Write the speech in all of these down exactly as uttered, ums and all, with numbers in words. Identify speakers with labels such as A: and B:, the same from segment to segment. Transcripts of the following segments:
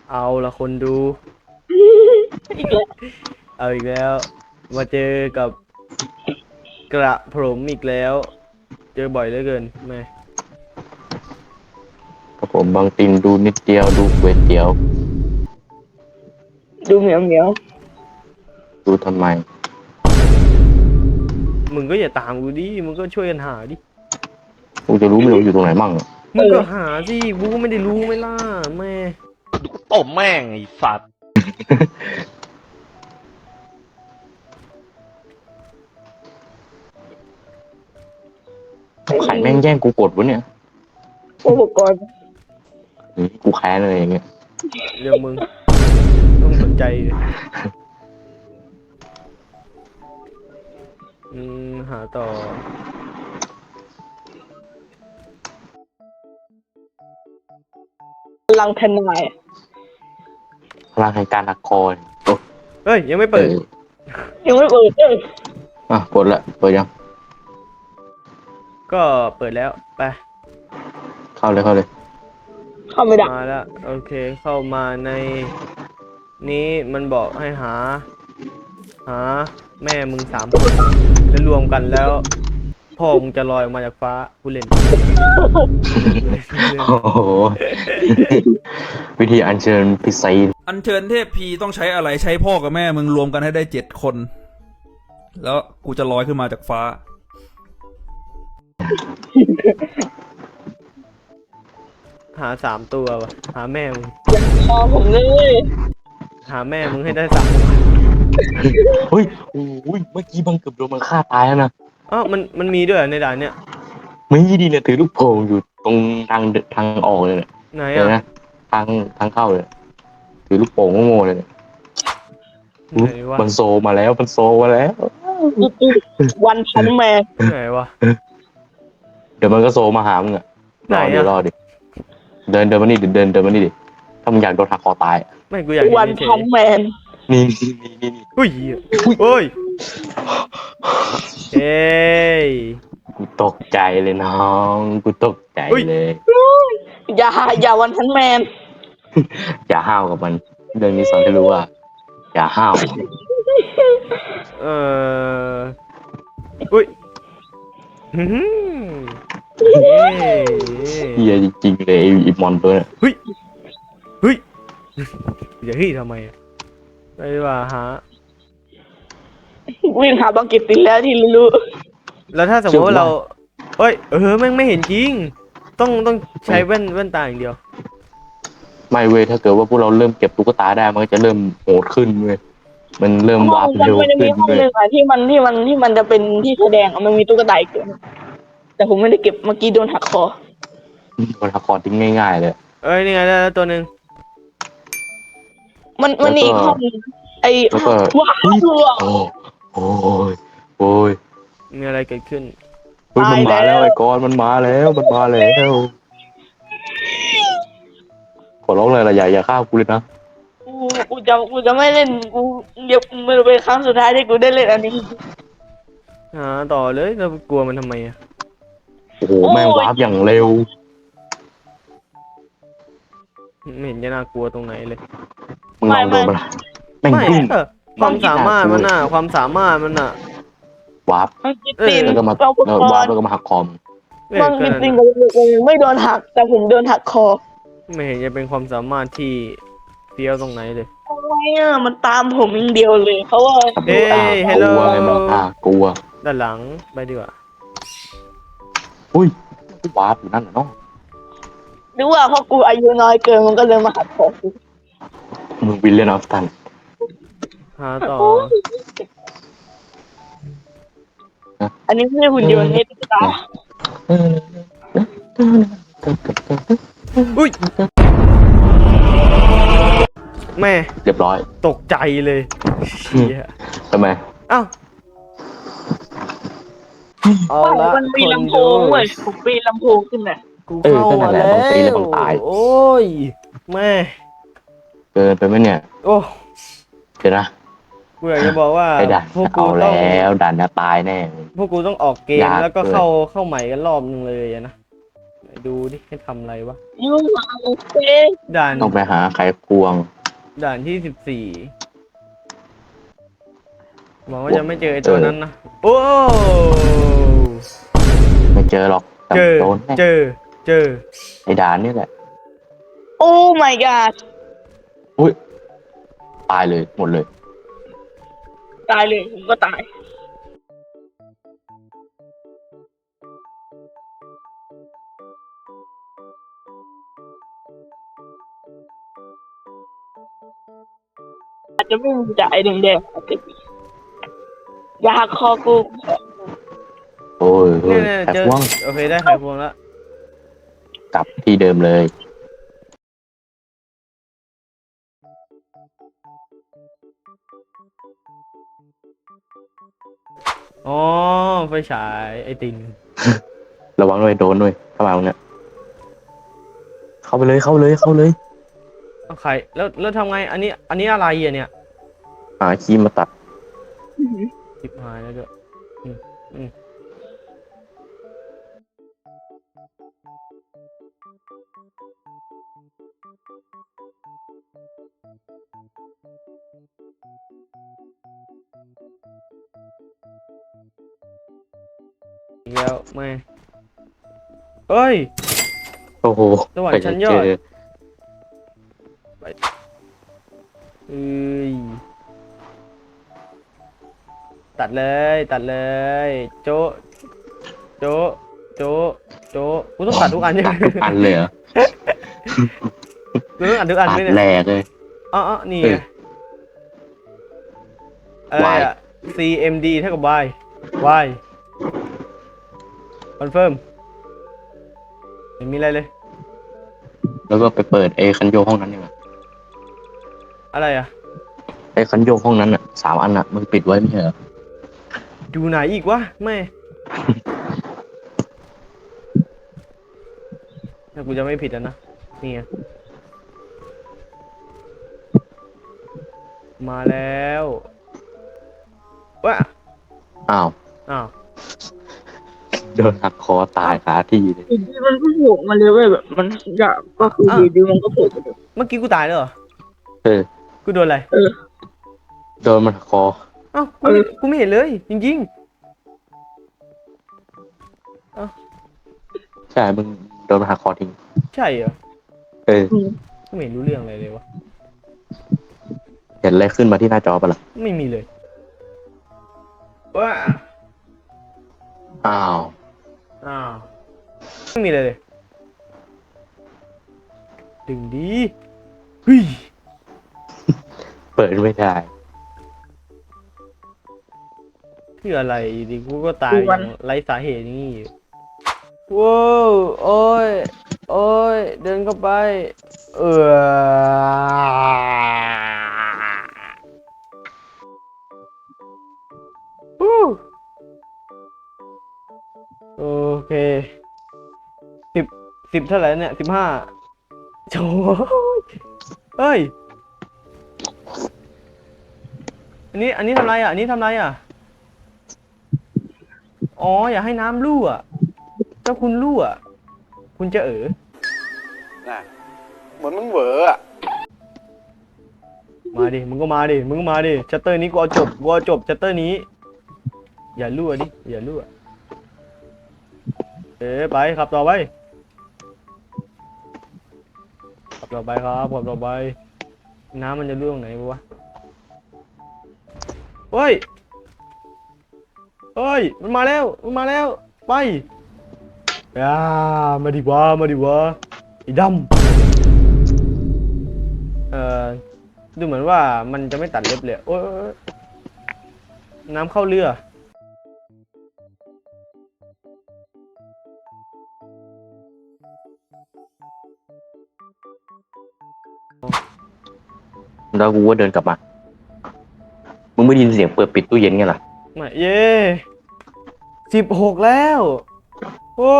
A: เอาละคนดู
B: อีกแล้ว
A: เอาอีกแล้ว มาเจอกับกระผมอีกแล้ว เจอบ่อยเหลือเกินแม่
C: ครับผมบางตินดูนิดเดียวดูเวทเดียว
B: ดูเหมียวเหมียว
C: ดูทำไม
A: มึงก็อย่าตามกูดิ มึงก็ช่วยกันหาดิ
C: กูจะรู้ไม่รู้อยู่ตรงไหนมั่งอะ
A: มึงก็หาสิกูก็ไม่ได้รู้ไม่ล่ะแม่
D: ตบแม่งไอ้สัตว์
C: ไข่แม่งแย่งกูกดวะเนี่ย
B: อุปกรณ์
C: หรือกูแค้นอะไรอย่างเงี้ย
A: เรื่องมึง ต้องสนใจดิอืมหาต่อ
B: พลังทนาย
C: พลังแห่งการหักคอโอ้
A: เฮ้ย ยังไม่
C: เอ
A: เปิด
C: อ
B: ยังไม่เปิดเออ
C: อ่ะกดละเปิดยัง
A: ก็เปิดแล้วไป
C: เข้าเลยเข้าเลย
B: เข้าไม่ได้
A: มาแล้วโอเคเข้ามาในนี้มันบอกให้หา หา แม่มึงสามคนแล้วรวมกันแล้ว พ่อมึงจะลอยออกมาจากฟ้าผู้เล่น
C: โอ้โห วิธีอัญเชิญพิไซ
E: อัญเชิญเทพพีต้องใช้อะไรใช้พ่อกับแม่มึงรวมกันให้ได้เจ็ดคน แล้วกูจะลอยขึ้นมาจากฟ้า
A: หาสามตัววะหาแม่มึง
B: พอผมเลย
A: หาแม่มึงให้ได้สาม
C: เฮ้ยโอ้ยเมื่อกี้บังเกือบโดนมันฆ่าตายแล้วนะ
A: อ๋อมันมันมีด้วยเหรอในด่านเนี้ย
C: ไม่ดีเนี่ยถือลูกโป่งอยู่ตรงทางเดินทางออกเลยเนี่ย
A: ไหน
C: เห็นไหม
A: อ่ะ
C: ทางทางเข้าเลยถือลูกโป่งโง่ๆเลยเนี่ย
A: ไหนวะ
C: มันโซมาแล้วมันโซมาแล้ว
B: วันพันแมน
A: ไหนวะ
C: เดี๋ยวมันก็โซมาหามึงอะ
A: ไหน
C: รอ
A: อะ
C: เดี๋ยวรอดิเดินเดินมานี่ดิเดินเดินมานี่ดิถ้ามึงอยากโดนหักคอตายอะ
A: ไม่กูอยากเห็
B: วัน
A: นเฉ
B: พัน
A: ย
B: แมน
C: นี่นี่นี่นี่นี่
A: ๆอุ้ยโอ้ยเอ้ย
C: กูตกใจเลยน้องกูตกใจ
A: อุ๊ย
C: เลย
B: อย่าอย่าวันพันแมน
C: อย่าห้าวกับมันเรื่องนี้สอนให้รู้ว่า อย่าห้าว
A: เอออุ้ยอื้อหือเย้
C: เฮียจริงๆเลยไอ้ไอีมอนตัวเนี่ย
A: เฮ้ยเฮ้ยอย่าเฮ้ยทำไมอะไปดีกว่าหา
B: วิ่งหาบังกิตติดแล้วที่รู้
A: แล้วถ้าสมมติว่าเราเอ้ยเออแม่งไม่เห็นจริง ต้องต้องใช้แว่นแว่นตาอย่างเดียว
C: ไม่เว้ยถ้าเกิดว่าพวกเราเริ่มเก็บตุ๊กตาได้มันก็จะเริ่มโหดขึ้นเว้ยมันเริ่ม
B: ห้
C: วา
B: อง
C: ร์ป
B: มัน
C: เร็ว
B: มันจะ
C: ขึ้
B: มี
C: น
B: ห้อง
C: เว้ย
B: หนึ่งอะที่มันที่มันที่มันจะเป็นที่แสดงอะมันมีตุ๊กตาอีกตัวหนึ่งแต่ผมไม่ได้เก็บเมื่อกี้โดนหักคอ
C: มันหักคอทิ้งง่ายๆเลย
A: เอ้ยนี่ไงได้แล้วตัวหนึ่ง
B: มันมันมีอีกห้องหนึ่งไอ้
C: แล้วก็
B: ว้าว
C: โอ้โอ้ยโอ้ย
A: มีอะไรเกิดขึ้น
C: เฮ้ยมันมาแล้วไอ้กอนมันมาแล้วมันมาแล้วขอร้องเลยละอย่าอย่าฆ่ากูเลยนะ
B: กูกูจะกูจะไม่เล่นกูเดี๋ยวมันเป็นครั้งสุดท้ายที่กูได้เล่นอันนี้
A: หาต่อเลยเรากลัวมันทำไมอะ
C: โอ้โหแม่งวาร์ปอย่างเร็ว
A: ไม่เห็นจะน่ากลัวตรงไหนเลย
C: มึงลองโดนมันแม่ง
A: ไม่
C: วิ่ง
A: เออความสามารถมันน่ะ ความสามารถมันน่ะ
C: วาร์ป
B: มันกินตีน
C: แล้วก็มา
B: เราอุป
C: แล้ว
B: ก
C: วาร์ป
B: รณ์
C: แล้วก็มาหักคอม
A: เอ้ย
B: บาง
A: ก็
B: กิน
A: นั่น
B: ตีน
A: น่ะ
B: กูไม่โดนหัก แต่ผมโดนหักคอ
A: ไม่เห็นจะเป็นความสามารถที่เฟี้ยวตรงไหนเลย
B: ทำไมอ่ะมันตามผมอย่างเดียวเลยเพราะว่า
A: เอ้ย
C: ก
A: hello
C: ลัวไงมันอ่ากลัว
A: ด้านหลังไปดีกว่า
C: อุ้ยวาร์ปอยู่นั่นน่ะเนาะ
B: หรือว่าเพราะกูอายุน้อยเกินมันก็เลยมาหักคอกู
C: มึงวิลเลนออฟตัน
A: หาต่อ
B: อันนี้ไม่ใช่หุ่นยนต์นี่ตุ๊กตา
A: อุ้ยแม่
C: เรียบร้อย
A: ตกใจเลยเชี่ย
C: ทำไม
A: เอ้าเอา
B: บ้าน
A: ละ
B: มันมี
A: คน
B: ลำโพ
A: ดู
B: งเว้ยผมปีนลำโพงขึ้นน่ะ
A: กูเข้ามาแล้วโอ้ยแม่
C: เกินไปไหมเนี่ย
A: โอ้
C: เดี๋ยวนะ
A: กูอยากจะบอกว่า
C: ไอ้ด่าน
A: พวกกู
C: เอา
A: ต้อง
C: แล้วด่านจะตายแน่
A: พวกกูต้องออกเกม
C: ยาก
A: แล้วก็
C: เกิน
A: เข้าเข้าใหม่กันรอบนึงเลยอะนะดูดิให้ทำอะไรวะ
B: ยูมาโอเค
A: ด่าน
C: ต้องไปหาไขควง
A: ด่านที่สิบสี่หวังว่าจะไม่เจอไอ้ตัวนั้นนะ โอ้
C: ไม่เจอหรอกแต่
A: เจอ
C: โดนแน่
A: เจอ เจอ
C: ไอ้ด่านนี่แหละ
B: โอ้ my god
C: อุ้ยตายเลยหมดเลย
B: ตายเลยผมก็ตาย อาจจะไม่มีแต่ไอ้แดงๆอาจจะมีอยาหักคอกู
C: โอ้ยเฮ้
A: เนี่ย ยเนี่ย
C: ไข
A: เจอ
C: ควง
A: โอเคได้ไขควงแล้ว
C: กลับที่เดิมเลย
A: อ๋อ ไฟฉายไอติน
C: ระวังด้วยโดนด้วยเข้ามาตรงเนี้ยเข้าไปเลยเข้าเลยเข้าเลย
A: เอาไข่แล้วแล้วทำไง อันนี้ อันนี้อะไรอ่ะเนี่ย
C: หาครีมมาตัด
A: ชิบหายแล้วด้วยอืมอืมอีกแล้วไม่เฮ้ย
C: โอ้โห
A: สวรรค์ชั้นยอด
C: ไปเจ
A: เอ้ยตัดเลย ตัดเลย โจะโจะโจะโจะกูต้องตัดทุกอันใช่ไหม
C: ตัดทุกอันเลยเหรอ
A: กูต้องตัดทุกอัน
C: ตั
A: ไหม
C: ด
A: เนี่ย
C: แหลกเลย
A: อ๋ออ๋อนี่
C: เอ
A: ไง
C: อ
A: อะไร
C: Y
A: อะ ซี เอ็ม ดี เท่ากับ y y คอนเฟิร์มไม่มีอะไรเลย
C: แล้วก็ไปเปิดไอ้คันโยกห้องนั้นดีกว่า
A: อะไรอ่ะ
C: ไอ้คันโยกห้องนั้นอ่ะสามอันอ่ะมึงปิดไว้ไม่ใช่เหรอ
A: ดูไหนอีกวะไม่ ถ้ากูจะไม่ผิดอ่ะนะ นี่ไงมาแล้วว้า
C: อ้าว
A: อ้าว
C: โดนหักคอตายคาที่เลย
B: อยู่ดีมันก็โผล่มาเลยเว้ยแบบมันอยากก็คืออยู่ดีมันก็โผล่มาเลย
A: เมื่อกี้กูตายแล้วเหรอ
C: เออ
A: กูโดนอะไร
B: เออ
C: โดนมันหักคอ
A: เอ้ากูไม่กูไม่เห็นเลย จริง
C: ใช่มึงโดนมันหักคอทิ้ง
A: ๆ ใช่เหรอ
C: เออ
A: กูไม่เห็นรู้เรื่องอะไรเลยวะ
C: เห็นอะไรขึ้นมาที่หน้าจอปะล่ะ
A: ไม่มีเลยว้า
C: อ้าว
A: อ้าว ไม่มีเลยเลย ดึงดีเฮ้ย
C: เปิดไม่ได้
A: คืออะไรอยู่ดีกูก็ตายอย่างไร้สาเหตุนี่ว้าวโอ้ย โอ้ย เดินเข้าไป เออฮู้โอเคสิบสิบเท่าไหร่เนี่ยสิบห้าโจ้ยเฮ้ย อันนี้ อันนี้ทำไรอ่ะ อันนี้ทำไรอ่ะ อ๋อ อย่าให้น้ำรั่วถ้าคุณรั่ว คุณจะเอ๋อ
F: น่ะเหมือนมึงเหวออะ
A: มาดิ มึงก็มาดิ มึงก็มาดิ ชัตเตอร์นี้กูเอาจบ กูเอาจบ ชัตเตอร์นี้ อย่ารั่วดิ อย่ารั่ว เอ๋ไปขับต่อไป ขับต่อไปครับขับต่อไป น้ำมันจะรั่วตรงไหนวะ เฮ้ย เฮ้ย มันมาแล้ว มันมาแล้ว ไปอ่ามาดิวะ มาดิวะไอ้ดำเอ่อ ดูเหมือนว่ามันจะไม่ตัดเล็บเลย โอ้ยน้ำเข้าเรือ
C: แล้วกูก็เดินกลับมา มึงไม่ได้ยินเสียงเปิดปิดตู้เย็นไงล่ะ
A: มาเย่สิบหกแล้ว โอ้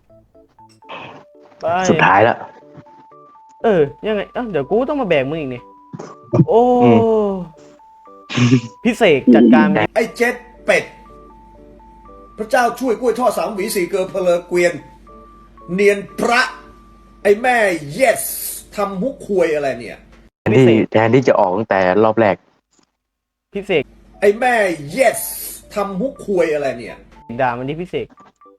A: ไป
C: สุดท้ายแล้ว
A: เออ ยังไงเอ้าเดี๋ยวกูต้องมาแบกมึงอีกนี่ โอ้
C: อืม
A: พิเศษจัดการมัน
G: ไอ้เจ็ดเป็ด พระเจ้าช่วยกล้วยทอดสามหวีสี่เกลือเพลอเกวียนเนียนพระ ไอ้แม่ yes ทำมุกควยอะไรเนี่ย
C: แทนที่แทนที่จะออกตั้งแต่รอบแรก
A: พิเศษ
G: ไอ้แม่ yes ทำมุกควยอะไรเนี่ย
A: ด่ามันที่พิเศษ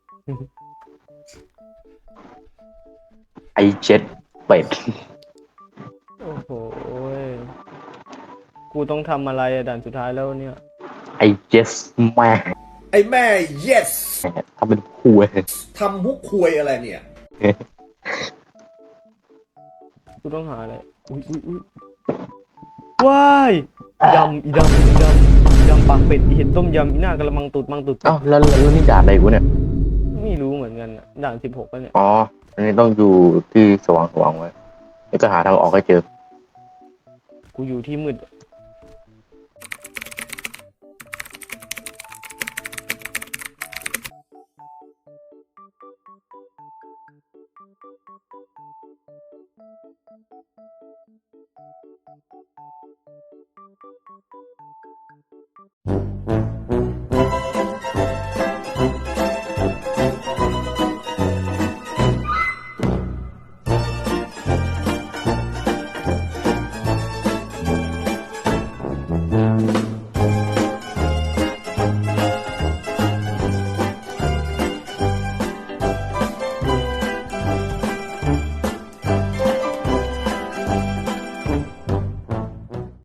C: ไอเจ็ดเป็ด
A: โอ้โหยกูต้องทำอะไรอะด่านสุดท้ายแล้วเนี่ย
C: ไอเจ็ดแม่
G: ไอ้แม่ yes
C: ทำเป็นคุย
G: ทำมุกควยอะไรเนี่ย
A: กูต้องหาอะไร อุ้ยอุ้ยอุ้ยว้ายยำอีดำอีดำยำปากเป็ดอีเห็ดต้มยำอีหน้ากระมังตุดมังตุด
C: เอ้าแล้วแล้วแล้วนี่ด่าอะไรกูเนี่ย
A: ไม่รู้เหมือนกันอะด่านสิบหกแล้วเนี่ย
C: อ๋อ อันนี้ต้องอยู่ที่สว่างสว่างไว้ แล้วก็หาทางออกให้เจอ
A: กูอยู่ที่มืด